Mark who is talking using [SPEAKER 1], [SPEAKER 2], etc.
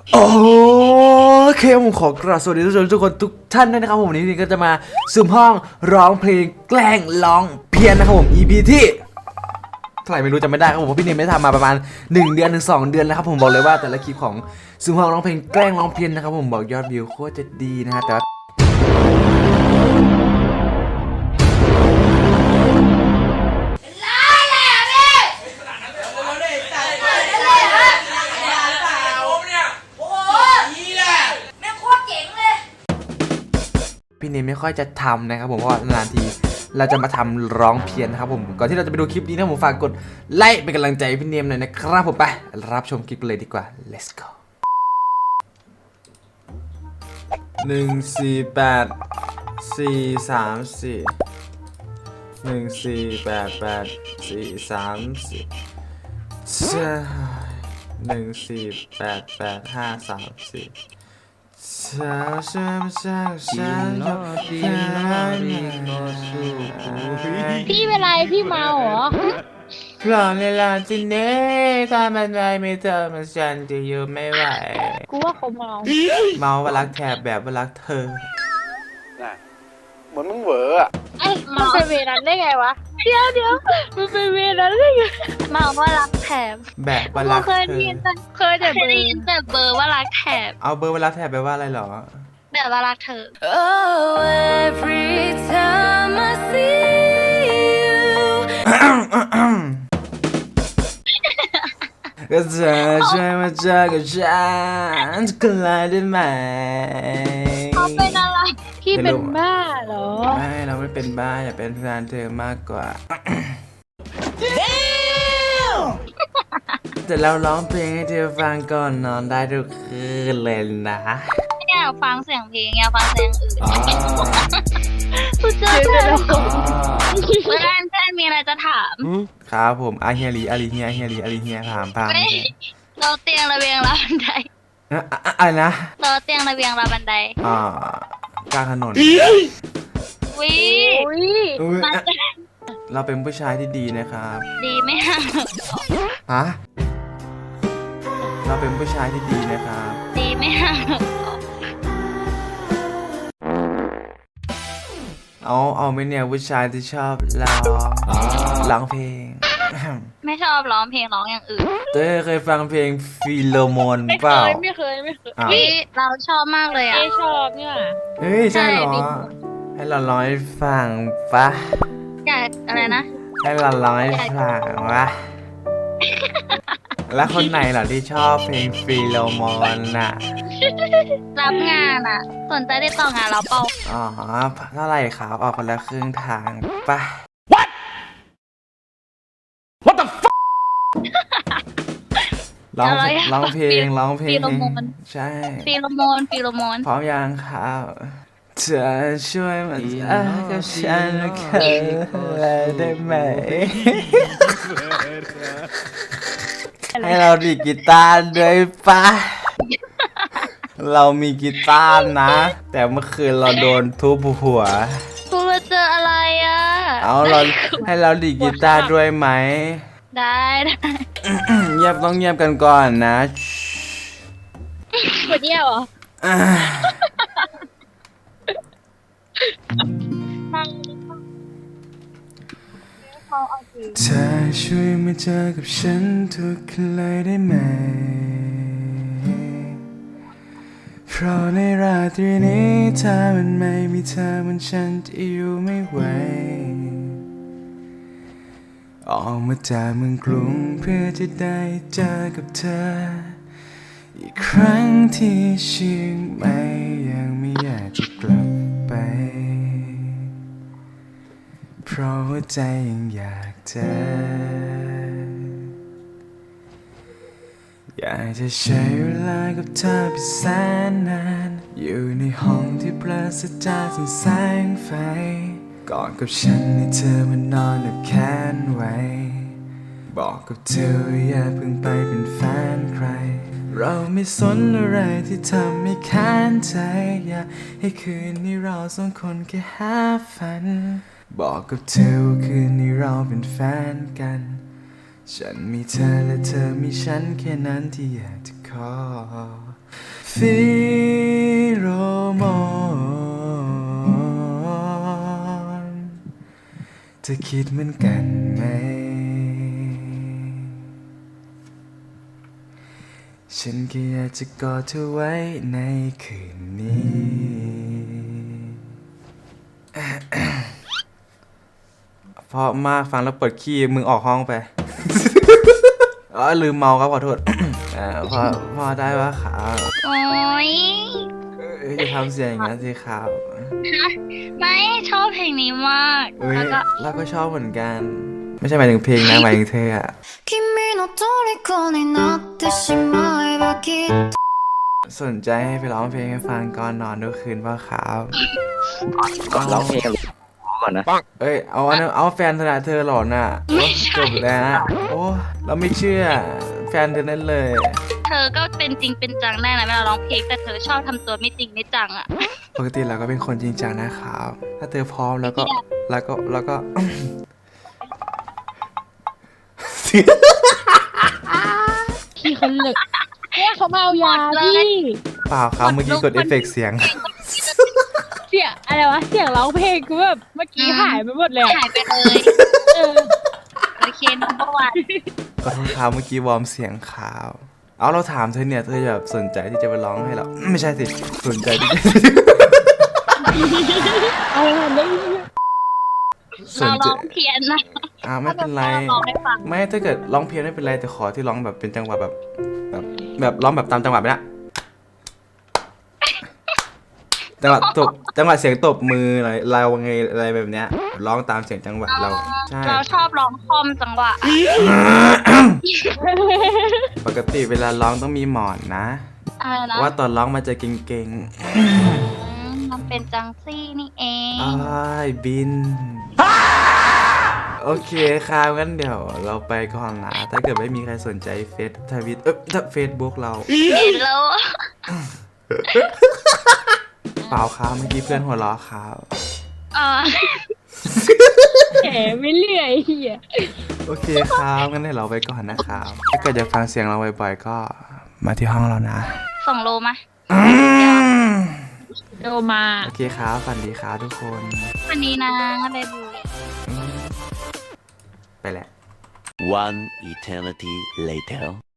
[SPEAKER 1] โอเคผมขอกราบสวัสดีทุกคนทุกท่านด้วยนะครับผมวันนี้ก็จะมาซูมห้องร้องเพลงแกล้งร้องเพี้ยนนะครับผม EP ที่เท่าไหร่ไม่รู้จำไม่ได้ครับผมเพราะพี่เนมไม่ทำมาประมาณ1 เดือนถึง2 เดือนนะครับผมบอกเลยว่าแต่ละคลิปของซูมห้องร้องเพลงแกล้งร้องเพี้ยนนะครับผมบอกยอดวิวโคตรจะดีนะฮะแต่ว่าพี่เนมไม่ค่อยจะทำนะครับผมเพราะว่านานทีเราจะมาทำร้องเพี้ยนนะครับผมก่อนที่เราจะไปดูคลิปนี้นะผมฝากกดไลค์เป็นกำลังใจพี่เนมหน่อยนะครับผมไปรับชมคลิปเลยดีกว่า let's go
[SPEAKER 2] พี่เป็นไรพี่เมาเหรอ
[SPEAKER 1] เพราะเวลาที่เน่ถ้ามันไม่เธอมันฉันจะอยู่ไม่ไหว
[SPEAKER 2] กูว่าเขาเมา
[SPEAKER 1] ว่ารักแถบแบบว่ารักเธอ
[SPEAKER 3] เหมือนมึงเหวออะ
[SPEAKER 2] ไอ้มันเป็นเวนั้นได้ไงวะเดี๋ยวมันเป็นเวนั้นได้ไงเมาว่ารักแถบ
[SPEAKER 1] แบบว่ารักเธอ
[SPEAKER 2] เคยได้ยินแต่เบอร์ว่ารักแถบ
[SPEAKER 1] เอาเบอร์ว่ารักแถบแปลว่าอะไรหรอ
[SPEAKER 2] แบบว่ารักเธอ
[SPEAKER 4] Oh every time I see you
[SPEAKER 1] ก็เธอช่วยมาเจอกับฉันทุกคนเลยได้ไหม
[SPEAKER 2] เขาเป็นอะไรพี่เป็นบ้าเหรอ
[SPEAKER 1] ไม่เราไม่เป็นบ้าอยากเป็นแฟนเธอมากกว่าแต่เราร้องเพลงให้เธอฟังก่อนนอนได้ทุกคืนเลยนะ
[SPEAKER 2] อยากฟังเสียงเพลงอยากฟังเสียงอื่นคุณเจอเพื่อนมีอะไรจะถาม
[SPEAKER 1] ครับผมอาเฮียลีอาลีเฮียถาม
[SPEAKER 2] เราเตียงระเบียงเราบันได
[SPEAKER 1] อะไรนะ
[SPEAKER 2] เราเตียงระเบียงเราบันได
[SPEAKER 1] กลางถนน
[SPEAKER 2] วิ
[SPEAKER 1] เราเป็นผู้ชายที่ดีนะครับ
[SPEAKER 2] ดีไหม
[SPEAKER 1] ฮะเราเป็นผู้ชายที่ดีนะครับ
[SPEAKER 2] ดีไหม
[SPEAKER 1] เอาไม่เนี่ยผู้ชายที่ชอบร้องเพลง
[SPEAKER 2] ไม่ชอบร้องเพลงร้องอย่างอื่น
[SPEAKER 1] เต้เคยฟังเพลงฟีโลโมนเปล่า
[SPEAKER 2] ไม่เคยพี่เราชอบมากเลยอ่ะไม่ชอบเนี่ย
[SPEAKER 1] เฮ้ยใช่หรอให้เราร้องให้ฟังปะ
[SPEAKER 2] อยากอะไรนะ
[SPEAKER 1] ให้เราร้องให้ฟังวะแล้วคนไหนเหรอที่ชอบเพลงฟีโลโมนน่ะ
[SPEAKER 2] รับงานอ่ะสนใจได้ต่องานเราเปล่า
[SPEAKER 1] เท่าไหร่ครับออกคนละครึ่งทางปะ What the fuck ร้องเพลง
[SPEAKER 2] ฟีโลโมน
[SPEAKER 1] ใช่
[SPEAKER 2] ฟีโลโมน
[SPEAKER 1] พร้อมยังครับเธอช่วยมากับฉันได้ไหมให้เราดีดกีตาร์ด้วยปะเรามีกีตาร์นะแต่เมื่อคืนเราโดนทุบหัว
[SPEAKER 2] คุณมาเจออะไรอ่ะ
[SPEAKER 1] ให้เราดีดกีตาร์ด้วยไหม
[SPEAKER 2] ได้
[SPEAKER 1] ต้องเงียบกันก่อนนะ
[SPEAKER 2] หมดเงียบเหรอ
[SPEAKER 1] เธอช่วยมาเจอกับฉันทุกคืนเลยได้ไหมเพราะในราตรีนี้ถ้ามันไม่มีเธอมันฉันจะอยู่ไม่ไหวออกมาจากเมืองกรุงเพื่อจะได้เจอกับเธออีกครั้งที่เชียงใหม่ยังไม่อยากจะกลับไปเพราะหัวใจยังอยากเจออยากจะใช้เวลากับเธอไปแสนนานอยู่ในห้องที่ปราศจากแสงไฟกอดกับฉันให้เธอมานอนแบบแขนไว้บอกกับเธออย่าเพิ่งไปเป็นแฟนใครเราไม่สนอะไรที่ทำให้ค้านใจอยากให้คืนนี้เราสองคนแค่หาฝันบอกกับเธอว่าคืนนี้เราเป็นแฟนกันฉันมีเธอและเธอมีฉันแค่นั้นที่อยากจะขอฟิโรโมนเธอคิดเหมือนกันไหมฉันแค่อยากจะกอดเธอไว้ในคืนนี้เพราะมากฟังแล้วเปิดขี้มึงออกห้องไป อ๋อลืมเมาครับขอโทษ พอได้ปะครับ
[SPEAKER 2] โอ้ย
[SPEAKER 1] จะทำเสียงอย่างนั้นสิครับ
[SPEAKER 2] ไม่ชอบเพลงนี้มาก
[SPEAKER 1] เอ้ย
[SPEAKER 2] แล้วก็
[SPEAKER 1] เราก็ชอบเหมือนกัน ไม่ใช่หมายถึงเพลงนะหมายถึงเธออะ
[SPEAKER 4] 君の虜になってしまえばきっと
[SPEAKER 1] สนใจให้ไปร้องเพลงให้ฟังก่อนนอนทุกคืนป่ะครับ
[SPEAKER 3] ร้องเพลงก่อนนะ
[SPEAKER 1] เอ้ยเอาแฟนธนาเธอหลอนอ่ะ
[SPEAKER 2] ไม่ใช่
[SPEAKER 1] จบแล้ว โอ้เราไม่เชื่อ แฟนเธอนั่นเลย
[SPEAKER 2] เธอก็เป็นจริงเป็นจังได้นะเวลาร้องเพลงแต่เธอชอบทำตัวไม่จริงไม่จังอ่ะ
[SPEAKER 1] ปกติเราก็เป็นคนจริงจังนะครับ ถ้าเธอพร้อมแล้วก็
[SPEAKER 5] พี่เขาเหลึกเนี่ยเขามาเอายาพี่
[SPEAKER 1] เปล่าครับเมื่อกี้กดเอฟเฟกต์เสียง
[SPEAKER 5] เสียงอะไรวะเสียงร้องเพลงกูแบบเมื่อกี้หายไปหมดเลยอะ
[SPEAKER 2] หายไปเลย
[SPEAKER 5] เออ
[SPEAKER 2] โอเคนัมเบอร์วัน
[SPEAKER 1] ขอโทษครับเมื่อกี้วอร์มเสียงขาว เอาเราถามเธอเนี่ยเธอแบบสนใจที่จะไปร้องให้เรา ไม่ใช่สิ สนใจที่จะ
[SPEAKER 5] เอาไปทำได้ยังไง
[SPEAKER 1] ส
[SPEAKER 2] เรา
[SPEAKER 1] นใจ
[SPEAKER 2] ร้องเพี้ยนนะ
[SPEAKER 1] ไม่เป็นไร
[SPEAKER 2] ถ้าเราร้องให้ฟัง
[SPEAKER 1] ไม่ถ้าเกิดร้องเพี้ยนไม่เป็นไรแต่ขอที่ร้องแบบเป็นจังหวะแบบร้องแบบตามจังหวะไปนะจังหวะตบจังหวะเสียงตบมืออะไรเราไงอะไรแบบเนี้ยร้องตามเสียงจังหวะเราใช่
[SPEAKER 2] เราชอบร้องคอมจังหวะ
[SPEAKER 1] ปกติเวลาร้องต้องมีหมอนนะ
[SPEAKER 2] อะไรนะ
[SPEAKER 1] ว่าตอนร้องมันจะเก่ง
[SPEAKER 2] มันเป็นจังซี่นี่เอง
[SPEAKER 1] ๆอ้ายบิน โอเคครับงั้นเดี๋ยวเราไปก่อนนะถ้าเกิดไม่มีใครสนใจทวิตเฟซบุ๊กเรา
[SPEAKER 2] เห็นแล้ว
[SPEAKER 1] เปล่าครับเมื่อกี้เพื่อนหัวเราะครับ
[SPEAKER 2] เออ
[SPEAKER 5] แหมไม่เลื่อยเฮีย
[SPEAKER 1] โอเคครับงั้นเดี๋ยวเราไปก่อนนะครับถ้าเกิดอยากฟังเสียงเราบ่อยๆก็มาที่ห้องเรานะ
[SPEAKER 2] ส่งโลมา
[SPEAKER 5] โดมา
[SPEAKER 1] โอเคครับฝันดีครับทุกคน
[SPEAKER 2] วันนี้นะเบบู
[SPEAKER 1] ไปแล้ว
[SPEAKER 3] One eternity later